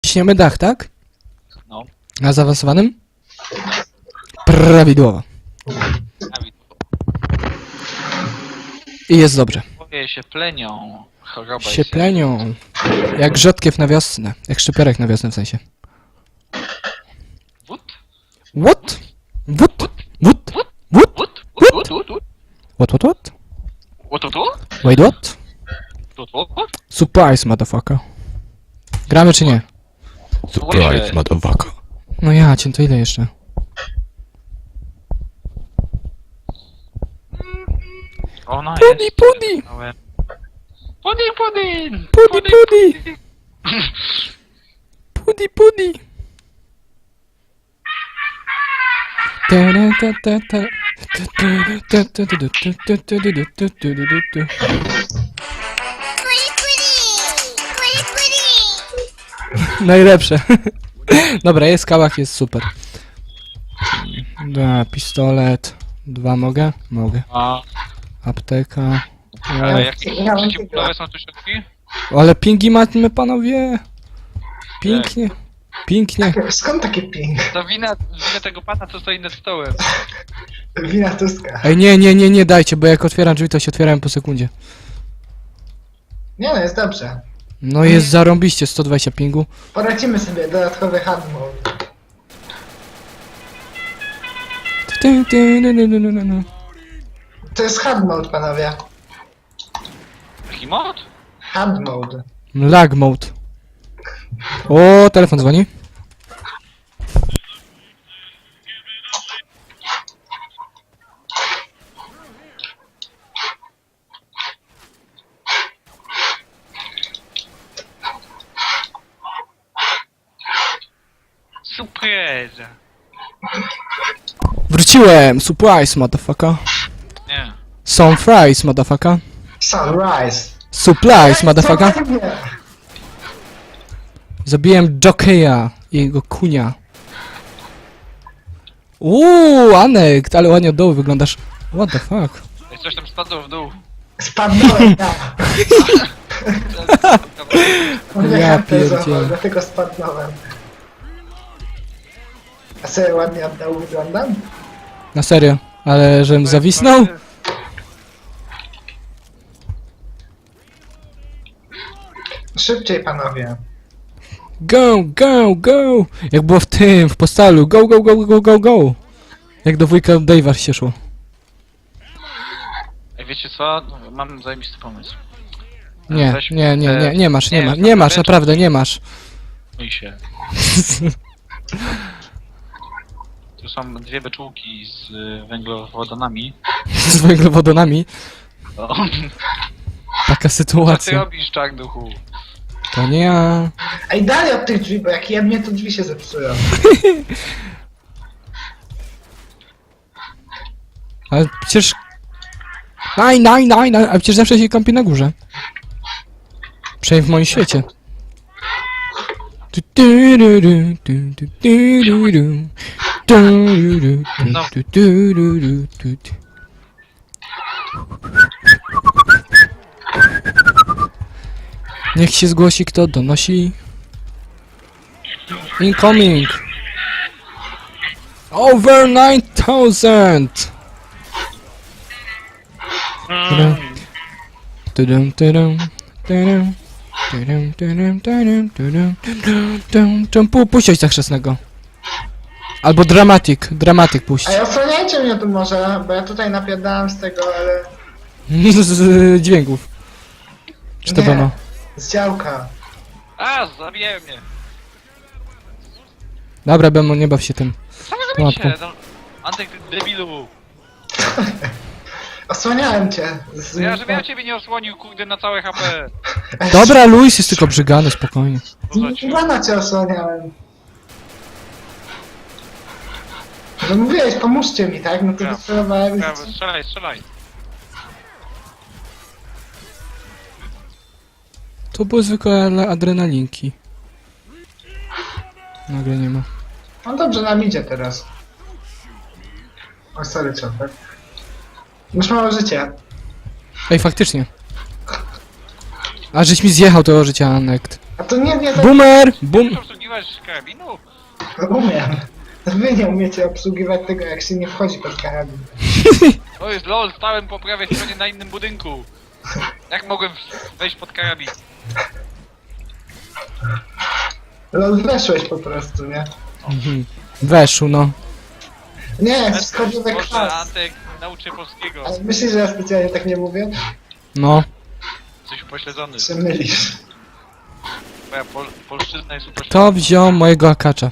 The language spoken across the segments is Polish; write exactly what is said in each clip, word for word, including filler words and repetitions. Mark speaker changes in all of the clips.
Speaker 1: ciśniemy dach, tak?
Speaker 2: No.
Speaker 1: Na zaawansowanym? Prawidłowo. I jest dobrze.
Speaker 2: Boję się plenią. Choroba
Speaker 1: Się
Speaker 2: jest.
Speaker 1: plenią. Jak rzodkiew na wiosnę. Jak szczypiorek na wiosnę w sensie.
Speaker 2: Wód?
Speaker 1: What? What? What? What?
Speaker 2: Wód? Wód? Wód? Wód? Wód?
Speaker 1: What, what, what?
Speaker 2: Wód? Wód? Wód?
Speaker 1: Wait, what?
Speaker 2: Wód? Wód? Wód?
Speaker 1: Surprise, motherfucker. Gramy czy nie?
Speaker 2: Surprise,
Speaker 1: motherfucker. No ja cię, to ile jeszcze?
Speaker 2: Ona
Speaker 1: Pudi,
Speaker 2: jest.
Speaker 1: pudi!
Speaker 2: Pudi, pudi!
Speaker 1: Pudi, pudi! Pudi, pudi! Ta ta ta ta. Najlepsze. Dobra, jest kałach, jest super. Dwa, pistolet. Dwa mogę? Mogę.
Speaker 2: A,
Speaker 1: Apteka.
Speaker 2: ale jakie przeciwbólowe są tu środki?
Speaker 1: Ale pingi mamy, panowie. Pięknie. Pięknie.
Speaker 3: Skąd takie ping?
Speaker 2: To wina, wina tego pana, co stoi nad stołem.
Speaker 3: Wina Tuska.
Speaker 1: Ej, nie, nie, nie, nie dajcie, bo jak otwieram drzwi, to się otwieram po sekundzie.
Speaker 3: Nie no, jest dobrze.
Speaker 1: No jest zarąbiście, sto dwadzieścia pingu.
Speaker 3: Poradzimy sobie dodatkowy hard mode.
Speaker 1: Ty, ty, no, no, no, no, no.
Speaker 3: To jest hard mode, panowie.
Speaker 2: Jaki mod?
Speaker 3: Hard mode.
Speaker 1: Lag mode. O, telefon dzwoni.
Speaker 2: Surprise!
Speaker 1: Wróciłem! Surprise, motherfucker.
Speaker 2: Nie.
Speaker 1: Some fries, motherfucker.
Speaker 3: Sunrise.
Speaker 1: Supplies, motherfucker.
Speaker 3: Co ładnie.
Speaker 1: Zabiłem Jokeja i jego kunia. Uuu, Anek, ale ładnie od dołu wyglądasz. What the fuck?
Speaker 2: Ej, coś tam spadło w dół.
Speaker 3: Spadnąłem, ja. On
Speaker 1: Ja
Speaker 3: mnie hapę złamał,
Speaker 1: pierdzielę.
Speaker 3: dlatego spadnąłem. A sobie ładnie od dołu wyglądam?
Speaker 1: Na serio, ale żebym zawisnął?
Speaker 3: Szybciej, panowie.
Speaker 1: Go, go, go! Jak było w tym, w postalu. Go, go, go, go, go, go! Jak do wujka Dave'a się szło.
Speaker 2: Ej, wiecie co? Mam zajebisty pomysł.
Speaker 1: Nie,
Speaker 2: Weź
Speaker 1: nie, nie,
Speaker 2: te-
Speaker 1: nie, nie masz, nie
Speaker 2: nie,
Speaker 1: masz, nie masz, naprawdę nie masz.
Speaker 2: Mój się. Tu są dwie beczułki z y, węglowodanami.
Speaker 1: Z węglowodonami.
Speaker 2: O,
Speaker 1: Taka
Speaker 2: co ty
Speaker 1: sytuacja.
Speaker 2: robisz, czarnuchu?
Speaker 1: To nie ja.
Speaker 3: Ej, dalej od tych drzwi, bo jak jebnie, to drzwi się zepsują.
Speaker 1: Ale przecież... Naj, naj, naj, naj, a przecież zawsze się kąpi na górze. Przynajmniej w moim świecie. Tu, tu, ru, ru, tu, tu, tu, ru, ru. Tu, ru, ru, tu, tu, tu, ru, ru, tu, tu. Niech się zgłosi, kto donosi. Incoming! Over nine thousand! Tudum, tudum, tudum, tudum, tudum, tudum, tudum, tudum, tudum, tudum, tudum. Pu- Puścić tak chrzestnego. Albo dramatik, dramatik puść.
Speaker 3: Ej, osłaniajcie mnie tu może, bo ja tutaj napierdałem z tego, ale...
Speaker 1: z, z dźwięków. Czy to
Speaker 3: Nie,
Speaker 1: ono?
Speaker 3: z działka.
Speaker 2: A, zabijają mnie!
Speaker 1: Dobra, Bemo, nie baw się tym.
Speaker 2: Co wy
Speaker 1: Pułapką.
Speaker 2: robicie? No, Antek, ty debilu!
Speaker 3: Osłaniałem cię. Z...
Speaker 2: Ja, żebym ja ciebie nie osłonił, kurde, na całe H P.
Speaker 3: Ej,
Speaker 1: Dobra, Luis jest tylko brzygany, spokojnie.
Speaker 2: Poza cię.
Speaker 3: Ivana cię osłaniałem. No mówiłeś, pomóżcie mi, tak? No to
Speaker 2: Ja.
Speaker 3: wycelowałem i...
Speaker 2: Prawo, strzelaj, strzelaj.
Speaker 1: To były zwykłe ale adrenalinki. Nagle nie ma.
Speaker 3: No dobrze, nam idzie teraz. O, sorry, Chopper. Już mało życia.
Speaker 1: Ej, faktycznie. A żeś mi zjechał tego życia, Anekt.
Speaker 3: A to nie, nie, to...
Speaker 1: Boomer! Boom!
Speaker 2: Po prostu nie obsługiwać karabinu?
Speaker 3: No umiem. Wy nie umiecie obsługiwać tego, jak się nie wchodzi pod karabin.
Speaker 2: To jest lol, stałem po prawej stronie na innym budynku. Jak mogłem wejść pod karabin?
Speaker 3: No weszłeś po prostu, nie?
Speaker 1: Mhm. Weszł, no.
Speaker 3: Nie, wskoczyłek
Speaker 2: Może
Speaker 3: klas.
Speaker 2: Antek nauczy polskiego.
Speaker 3: Ale myślisz, że ja specjalnie tak nie mówię?
Speaker 1: No.
Speaker 2: Coś upośledzony.
Speaker 3: Się mylisz.
Speaker 2: Moja pol polszczyzna jest upośledzona.
Speaker 1: Kto wziął mojego akacza?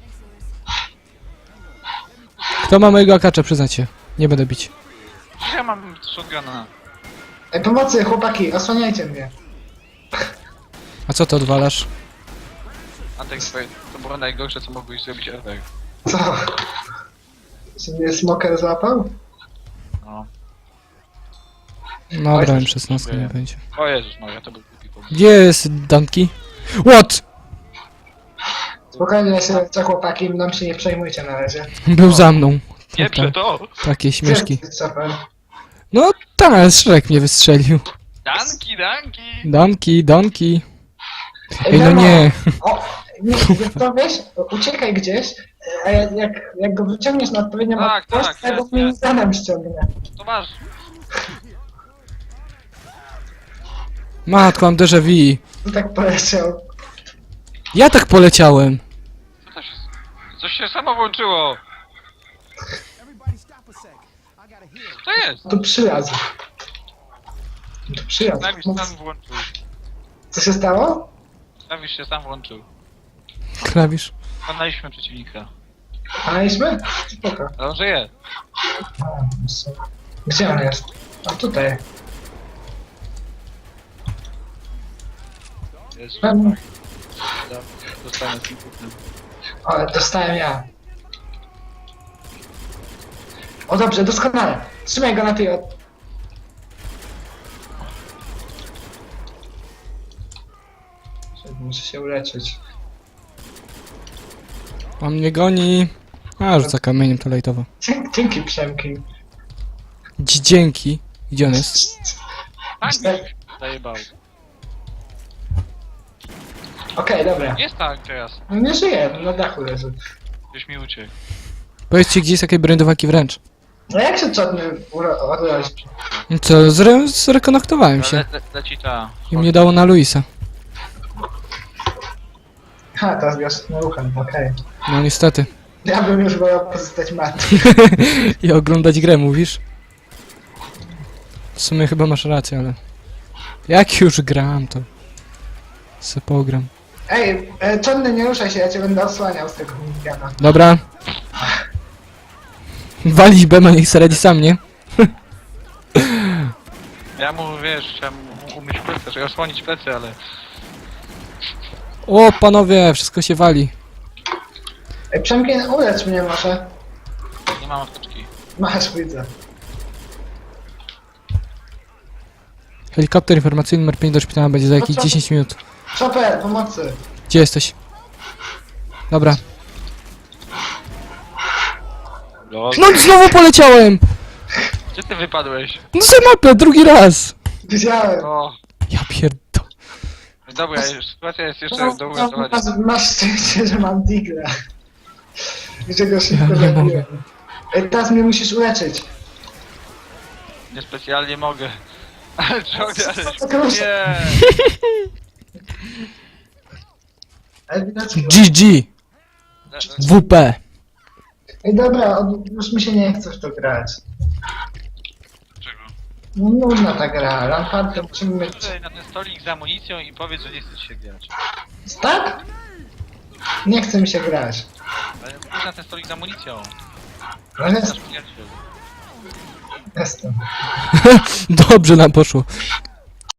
Speaker 1: Kto ma mojego akacza, przyznacie. Nie będę bić.
Speaker 2: Ja mam shotguna.
Speaker 3: Ej, pomocy, chłopaki, osłaniajcie mnie.
Speaker 1: A co ty odwalasz?
Speaker 2: Antek, to było najgorsze, co mogłeś zrobić ever.
Speaker 3: Co? Czy mnie smoker złapał?
Speaker 2: No.
Speaker 1: No, grałem szesnastkę, nie będzie.
Speaker 2: O Jezus, no ja to był głupi pomysł.
Speaker 1: Gdzie jest Danki? What?
Speaker 3: Spokojnie się, co chłopaki, mną się nie przejmujcie na razie.
Speaker 1: Był za mną.
Speaker 2: Nie
Speaker 1: Ta-
Speaker 2: prze to!
Speaker 1: Takie śmieszki.
Speaker 3: Gdzie jest Chopper?
Speaker 1: No tak, Shrek mnie wystrzelił.
Speaker 2: Danki, danki!
Speaker 1: Danki, Danki.
Speaker 3: Ej,
Speaker 1: Ej, no
Speaker 3: Nemo!
Speaker 1: nie.
Speaker 3: O, nie, to wiesz, uciekaj gdzieś, a jak, jak, jak go wyciągniesz na odpowiednią
Speaker 2: Tak,
Speaker 3: odległość,
Speaker 2: tak,
Speaker 3: to ja go
Speaker 2: jest, jest.
Speaker 3: minizanem ściągnę.
Speaker 2: To masz!
Speaker 1: Matko, mam déjà vu.
Speaker 3: I tak poleciał.
Speaker 1: Ja tak poleciałem.
Speaker 2: Co to się... Coś się samo włączyło! Co to jest?
Speaker 3: Tu przylazł. Tu przylazł.
Speaker 2: Klawisz sam włączył.
Speaker 3: Co się stało?
Speaker 2: Klawisz się sam włączył.
Speaker 1: Klawisz.
Speaker 2: Pokonaliśmy przeciwnika.
Speaker 3: Znaliśmy? Spoko.
Speaker 2: Ale on żyje.
Speaker 3: A, so- Gdzie on jest? A tutaj.
Speaker 2: Jest
Speaker 3: Tam.
Speaker 2: Dostanę z inputem.
Speaker 3: O, dostałem ja. O dobrze, doskonale. Trzymaj go na tej od... Muszę się uleczyć.
Speaker 1: On mnie goni. A, rzuca kamieniem to lejtowo.
Speaker 3: Dzięki, dzięki Przemki.
Speaker 1: Dzi- Dzięki. Gdzie on jest?
Speaker 2: Tank zajebał.
Speaker 3: Okej, dobra.
Speaker 2: Jest tank teraz.
Speaker 3: No nie żyje, na dachu leży.
Speaker 2: Gdzieś mi uciekł.
Speaker 1: Powiedzcie, gdzie jest jakieś brandowaki wręcz.
Speaker 3: No jak się czotny odrodzić?
Speaker 1: No co, zre zrekonektowałem się.
Speaker 2: Le, le, leci ta.
Speaker 1: I mnie dało na Luisa.
Speaker 3: Ha, teraz grasz na ruchem, okej.
Speaker 1: No niestety.
Speaker 3: Ja bym już wolał pozostać martwy.
Speaker 1: I oglądać grę, mówisz? W sumie chyba masz rację, ale... Jak już gram, to... Se pogram.
Speaker 3: Ej, e, czotny, nie ruszaj się, ja cię będę osłaniał z tego minigana.
Speaker 1: Dobra. Walić Bema, niech se radzi sam, nie?
Speaker 2: Ja mu, wiesz, chciałem mu umyć plecy, żeby osłonić plecy, ale...
Speaker 1: O, panowie, wszystko się wali.
Speaker 3: Ej, Przemki, ulecz mnie może.
Speaker 2: Nie mam apteczki.
Speaker 3: Masz, widzę.
Speaker 1: Helikopter informacyjny numer pięć do szpitala będzie za jakieś dziesięć minut.
Speaker 3: Chopper, pomocy.
Speaker 1: Gdzie jesteś? Dobra.
Speaker 2: Lol.
Speaker 1: No znowu poleciałem!
Speaker 2: Gdzie ty wypadłeś?
Speaker 1: No za mapę, drugi raz!
Speaker 3: Widziałem.
Speaker 2: O,
Speaker 1: Ja pierdo...
Speaker 2: dobra, sytuacja jest jeszcze
Speaker 3: No,
Speaker 2: do
Speaker 3: no,
Speaker 2: uratowania.
Speaker 3: masz, masz szczęście, że mam digla. I że go szybko
Speaker 1: Ja nie
Speaker 3: zabiłem.
Speaker 1: mogę.
Speaker 3: Ej, teraz mnie musisz uleczyć.
Speaker 2: Niespecjalnie mogę. Ale ciągle, ale...
Speaker 3: Proszę.
Speaker 2: Nie!
Speaker 3: Ej, widać.
Speaker 1: G G! W P!
Speaker 3: Ej, dobra, od- już mi się nie chce w to grać.
Speaker 2: Czego?
Speaker 3: No, nudna ta gra, Lamparty musimy mieć...
Speaker 2: Tutaj na ten stolik z amunicją i powiedz, że nie chce ci się grać.
Speaker 3: Tak? Nie chce mi się grać.
Speaker 2: Ale pójdź na ten stolik z amunicją.
Speaker 3: No jest,
Speaker 2: Nasz przyjaciel.
Speaker 3: jestem.
Speaker 1: Dobrze nam poszło.